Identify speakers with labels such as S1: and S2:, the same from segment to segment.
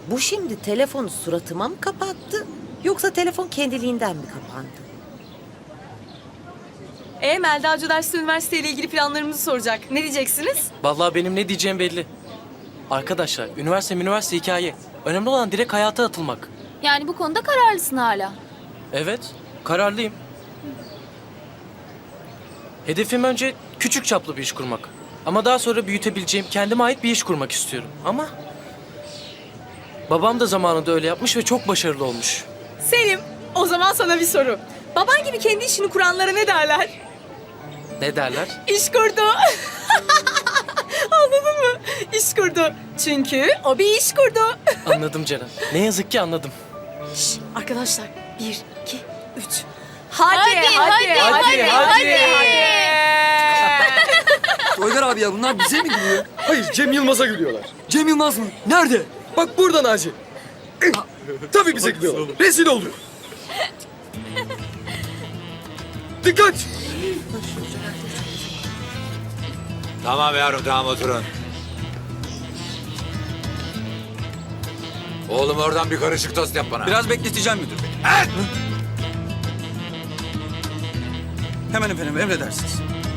S1: Bu şimdi telefonu suratıma mı kapattı? Yoksa telefon kendiliğinden mi kapandı?
S2: Melda Hoca derste üniversiteyle ilgili planlarımızı soracak. Ne diyeceksiniz?
S3: Vallahi benim ne diyeceğim belli. Arkadaşlar, üniversite hikaye. Önemli olan direkt hayata atılmak.
S4: Yani bu konuda kararlısın hala.
S3: Evet, kararlıyım. Hedefim önce küçük çaplı bir iş kurmak. Ama daha sonra büyütebileceğim, kendime ait bir iş kurmak istiyorum. Ama babam da zamanında öyle yapmış ve çok başarılı olmuş.
S2: Selim, o zaman sana bir soru. Baban gibi kendi işini kuranlara ne derler?
S3: Ne derler?
S2: İş kurdu. Anladın mı? İş kurdu. Çünkü o bir iş kurdu.
S3: Anladım Ceren. Ne yazık ki anladım.
S2: Şş, arkadaşlar 1, 2, 3. Hadi.
S5: Toygar abi ya bunlar bize mi gülüyor?
S6: Hayır, Cem Yılmaz'a gülüyorlar.
S5: Cem Yılmaz mı? Nerede?
S6: Bak burada Naci. Tabii bize gülüyorlar. Rezil olduk. Dikkat!
S7: Tamam yavrum, tamam oturun. Oğlum oradan bir karışık tost yap bana.
S5: Biraz bekleteceğim müdür bey. Hemen efendim, emredersiniz.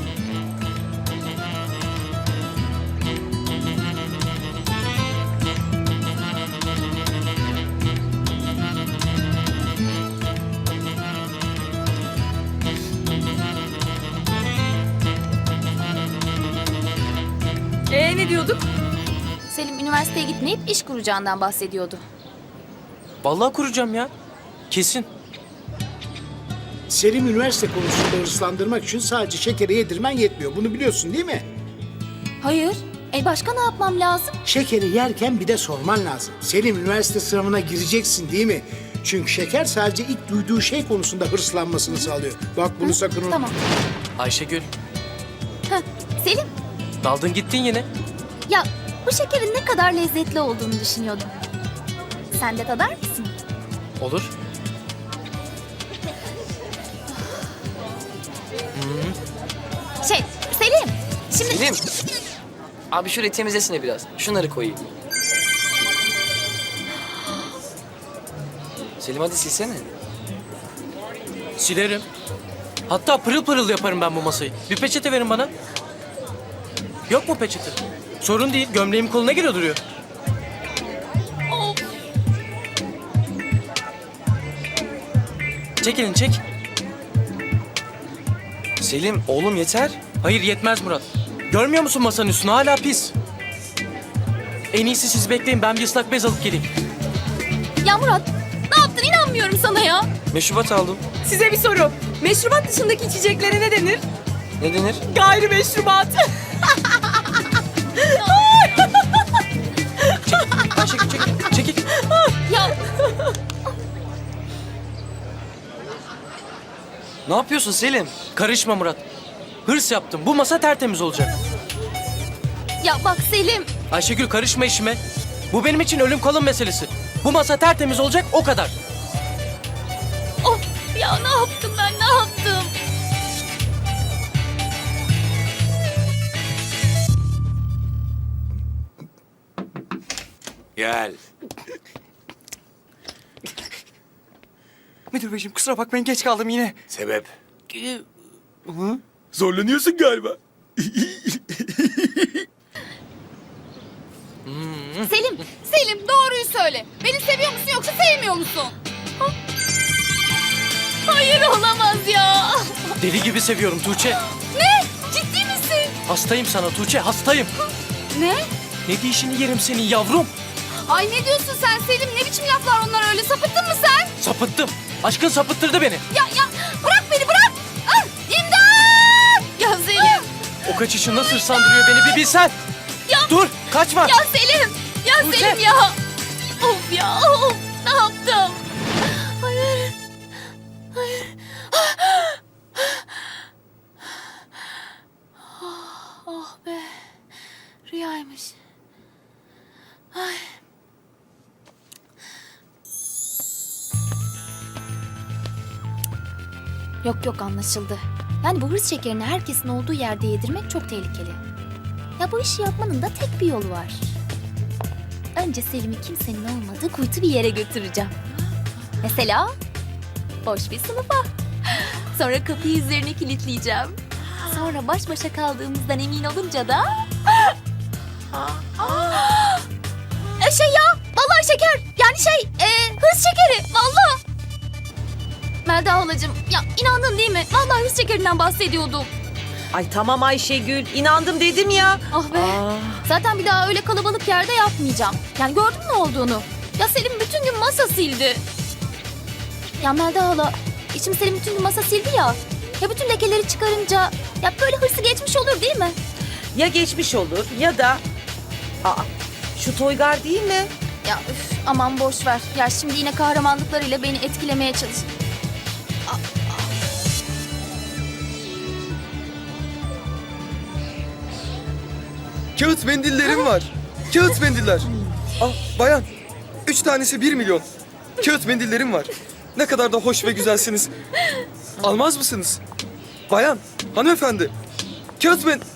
S2: Ne diyorduk?
S4: Selim üniversiteye gitmeyip iş kuracağından bahsediyordu.
S3: Vallahi kuracağım ya. Kesin.
S8: Selim üniversite konusunda hırslandırmak için sadece şekeri yedirmen yetmiyor. Bunu biliyorsun değil mi?
S4: Hayır. Başka ne yapmam lazım?
S8: Şekeri yerken bir de sorman lazım. Selim üniversite sınavına gireceksin değil mi? Çünkü şeker sadece ilk duyduğu şey konusunda hırslanmasını sağlıyor. Bak bunu sakın unutma.
S4: Tamam.
S3: Ayşegül,
S4: Heh, Selim,
S3: daldın gittin yine.
S4: ya bu şekerin ne kadar lezzetli olduğunu düşünüyordum. Sen de tadar mısın?
S3: Olur.
S4: Selim, şimdi...
S9: Selim. Abi şurayı temizlesene biraz. Şunları koyayım. Selim hadi silsene.
S3: Silerim. Hatta pırıl pırıl yaparım ben bu masayı. Bir peçete verin bana. Yok mu peçete? Sorun değil. Gömleğim koluna giriyor duruyor. Çek elini çek.
S9: Selim oğlum yeter.
S3: Hayır yetmez Murat. Görmüyor musun masanın üstünü? Hala pis. En iyisi siz bekleyin. Ben bir ıslak bez alıp geleyim.
S4: Ya Murat, ne yaptın? İnanmıyorum sana ya.
S9: Meşrubat aldım.
S2: Size bir soru. Meşrubat dışındaki içeceklere ne denir?
S9: Ne denir?
S2: Gayrimeşrubat.
S3: Ayşegül çekil. Çekil.
S4: Ya
S9: Ne yapıyorsun Selim?
S3: Karışma Murat. Hırs yaptım. Bu masa tertemiz olacak.
S4: Ya bak Selim.
S3: Ayşegül karışma işime. Bu benim için ölüm kalım meselesi. Bu masa tertemiz olacak o kadar.
S4: Of ya ne yaptım ben ne yaptım?
S7: Gel.
S5: Müdür beyciğim kusura bakmayın geç kaldım yine.
S7: Sebep?
S6: Zorlanıyorsun galiba.
S4: Selim doğruyu söyle. Beni seviyor musun yoksa sevmiyor musun? Ha? Hayır olamaz ya.
S3: Deli gibi seviyorum Tuğçe.
S4: Ne? Ciddi misin?
S3: Hastayım sana Tuğçe, hastayım.
S4: Ne?
S3: Ne dişini yerim senin yavrum.
S4: Ay ne diyorsun sen Selim? Ne biçim laflar onlar öyle? Sapıttın mı sen?
S3: Sapıttım. Aşkın sapıttırdı beni.
S4: Ya bırak beni bırak. Ah, İmdat! Ya Selim.
S3: O kaçışı nasıl sandırıyor beni bir bilsen.
S4: Ya.
S3: Dur, kaçma.
S4: Ya Selim. Ya
S3: Tuğçe.
S4: Selim ya. Of ya of. Ne yaptım? Hayır. Hayır. Oh be. Rüyaymış. Ay. Yok anlaşıldı. Yani bu hırs şekerini herkesin olduğu yerde yedirmek çok tehlikeli. Ya bu işi yapmanın da tek bir yolu var. önce Selim'i kimsenin olmadığı kuytu bir yere götüreceğim. Mesela boş bir sınıfa. Sonra kapıyı üzerine kilitleyeceğim. Sonra baş başa kaldığımızdan emin olunca da... Şey ya, vallahi şeker. Yani hız şekeri, vallahi. Melda halacığım, ya inandın değil mi? Vallahi hız şekerinden bahsediyordum.
S1: Ay tamam Ayşegül, inandım dedim ya.
S4: Ah be. Zaten bir daha öyle kalabalık yerde yapmayacağım. Yani gördün ne olduğunu? Ya Selim bütün gün masa sildi. Ya Melda hala, şimdi Selim bütün gün masa sildi ya. Ya bütün lekeleri çıkarınca ya böyle hırsı geçmiş olur değil mi?
S1: Ya geçmiş olur ya da... Aa, şu Toygar değil mi?
S4: Ya üf, aman boş ver. Ya şimdi yine kahramanlıklarıyla beni etkilemeye çalış.
S6: Kağıt mendillerim var. Kağıt mendiller. Bayan, 3 tanesi 1 milyon. Kağıt mendillerim var. Ne kadar da hoş ve güzelsiniz. Almaz mısınız? Bayan, hanımefendi. Kağıt men...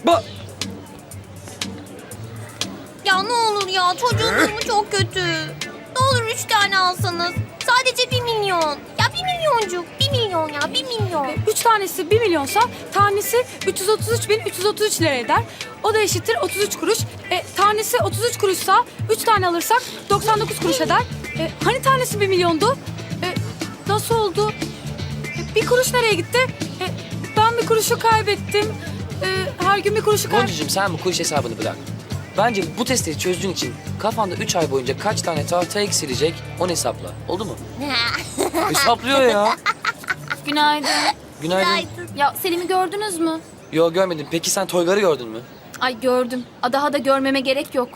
S4: Ya ne olur ya, çocuğun durumu çok kötü. Ne olur 3 tane alsanız. Sadece 1 milyon. Ya 1 milyoncuk. 1 milyon ya, 1 milyon.
S2: 3 tanesi 1 milyonsa tanesi 333.333 lira eder. O da eşittir 33 kuruş. Tanesi 33 kuruşsa 3 tane alırsak 99 kuruş eder. Hani tanesi 1 milyondu? Nasıl oldu? Bir kuruş nereye gitti? Ben bir kuruşu kaybettim. Her gün bir kuruşu kaybettim.
S9: Goncucuğum sen bu kuruş hesabını bırak. Bence bu testleri çözdüğün için kafanda 3 ay boyunca kaç tane tahta eksilecek onu hesapla. Oldu mu? Hesaplıyor ya.
S4: Günaydın.
S9: Günaydın.
S4: Ya Selim'i gördünüz mü?
S9: Yo görmedim. Peki sen Toygar'ı gördün mü?
S4: Ay gördüm. Daha da görmeme gerek yok.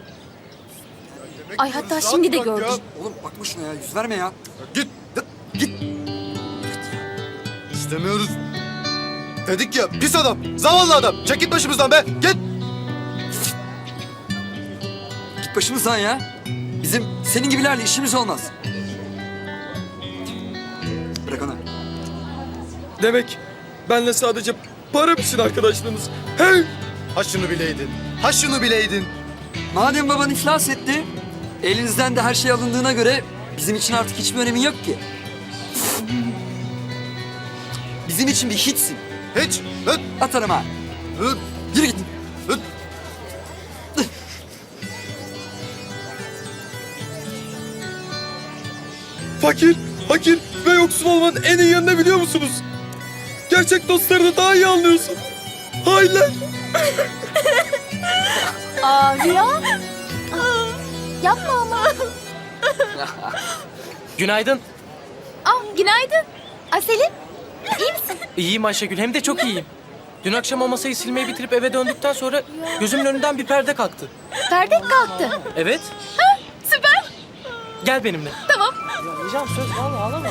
S4: Ay hatta şimdi de gördüm.
S5: Oğlum bakma şuna ya, yüz verme ya. Git.
S6: İstemiyoruz. Dedik ya, pis adam, zavallı adam. Çek git başımızdan be, git.
S5: Git başımızdan ya. Bizim senin gibilerle işimiz olmaz. Bırak onu.
S6: Demek benle sadece para için arkadaşlığınız. Hey! Ha şunu bileydin, ha şunu bileydin.
S5: Madem baban iflas etti, elinizden de her şey alındığına göre bizim için artık hiçbir önemi yok ki. Bizim için bir hiçsin.
S6: Hiç, öt,
S5: Atarım ha.
S6: öt,
S5: Yürü git.
S6: öt. Fakir ve yoksul olmanın en iyi yanını biliyor musunuz? Gerçek dostlarını daha iyi anlıyorsun. Hainler.
S4: Rüya? Yapma ama.
S3: Günaydın.
S4: Günaydın. Selim, iyi misin?
S3: İyiyim Ayşegül, hem de çok iyiyim. Dün akşam o masayı silmeyi bitirip eve döndükten sonra gözümün önünden bir perde kalktı.
S4: Perde kalktı.
S3: Evet,
S4: Süper.
S3: gel benimle.
S4: Tamam.
S3: Ya Hicam söz, vallahi ağlama.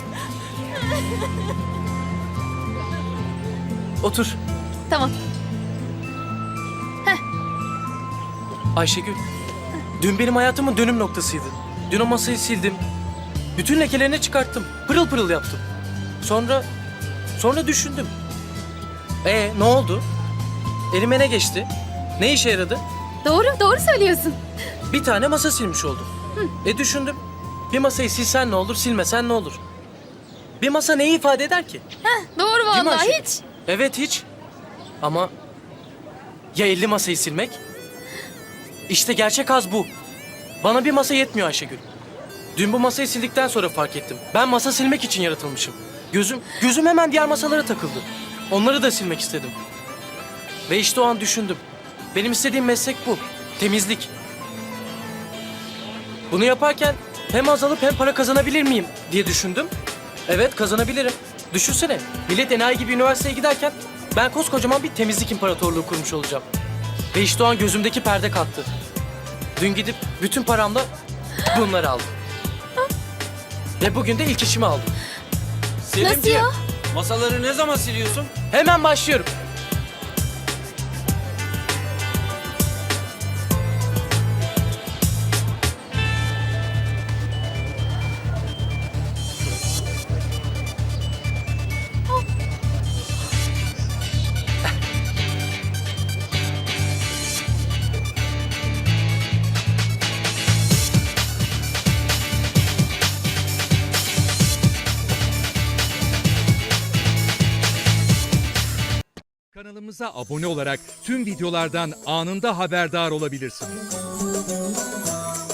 S3: Otur.
S4: Tamam.
S3: Ayşegül, dün benim hayatımın dönüm noktasıydı. Dün o masayı sildim. Bütün lekelerini çıkarttım. Pırıl pırıl yaptım. Sonra düşündüm. Ne oldu? Elime ne geçti? Ne işe yaradı?
S4: Doğru söylüyorsun.
S3: Bir tane masa silmiş oldum. Düşündüm. Bir masayı silsen ne olur, silmesen ne olur? Bir masa neyi ifade eder ki?
S4: Doğru
S3: Değil mi
S4: vallahi
S3: Ayşegül?
S4: hiç.
S3: Evet, hiç. Ama ya 50 masayı silmek? İşte gerçek haz bu. Bana bir masa yetmiyor Ayşegül. Dün bu masayı sildikten sonra fark ettim. Ben masa silmek için yaratılmışım. Gözüm hemen diğer masalara takıldı. Onları da silmek istedim. Ve işte o an düşündüm. Benim istediğim meslek bu. Temizlik. Bunu yaparken hem azalıp hem para kazanabilir miyim diye düşündüm. Evet, kazanabilirim. Düşünsene, millet enayi gibi üniversiteye giderken ben koskocaman bir temizlik imparatorluğu kurmuş olacağım. Ve işte o an gözümdeki perde kalktı. Dün gidip bütün paramla bunları aldım. Ve bugün de ilk işimi aldım.
S4: Nasıl ya?
S3: Masaları ne zaman siliyorsun? Hemen başlıyorum.
S10: Kanalımıza abone olarak tüm videolardan anında haberdar olabilirsiniz.